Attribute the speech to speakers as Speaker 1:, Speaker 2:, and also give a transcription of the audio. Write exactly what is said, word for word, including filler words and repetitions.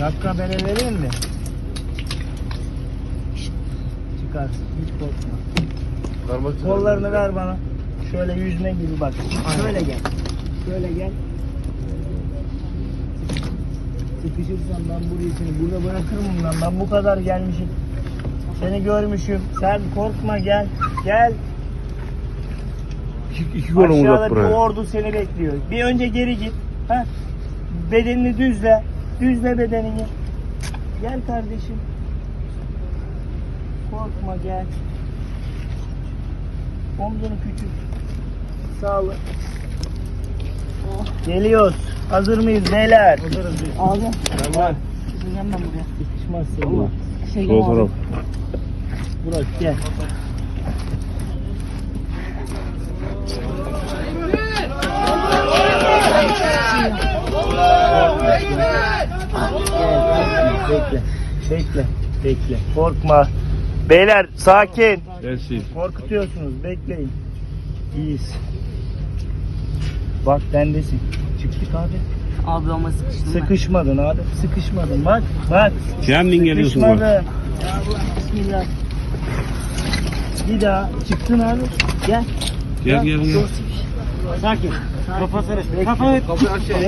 Speaker 1: Dakika bere vereyim mi? Çıkarsın. Hiç korkma. Kollarını ver bana. Şöyle yüzme gibi bak. Şöyle gel. Şöyle gel. Sıkışırsan ben burayı seni burada bırakırım lan. Ben bu kadar gelmişim. Seni görmüşüm. Sen korkma gel. Gel.
Speaker 2: İki, iki kolum uzat
Speaker 1: Aşağıda bir
Speaker 2: buraya.
Speaker 1: ordu seni bekliyor. Bir önce geri git. Heh. Bedenini düzle. Düzle bedenini. Gel kardeşim. Korkma gel. Omzunu küçült. Sağlı. Oh. Geliyoruz. Hazır mıyız beyler? Hazırız. Abi. Tamam. Çıkacağım ben buraya. Sıkışmaz seni. Şey
Speaker 2: Sol taraf.
Speaker 1: Burak gel. Bekle. Bekle. Bekle. Korkma. Beyler sakin.
Speaker 2: Gelsin.
Speaker 1: Korkutuyorsunuz. Bekleyin. İyiyiz. Bak bendesin. Çıktık abi.
Speaker 3: Abi ama sıkıştım ben.
Speaker 1: Sıkışmadın abi. Sıkışmadın. Bak. Bak.
Speaker 2: Kendin geliyorsun bak.
Speaker 1: Sıkışmadın. Bismillah. Bir daha. Çıktın abi. Gel.
Speaker 2: Gel gel gel.
Speaker 1: Sakin. Kafasını. Kafa.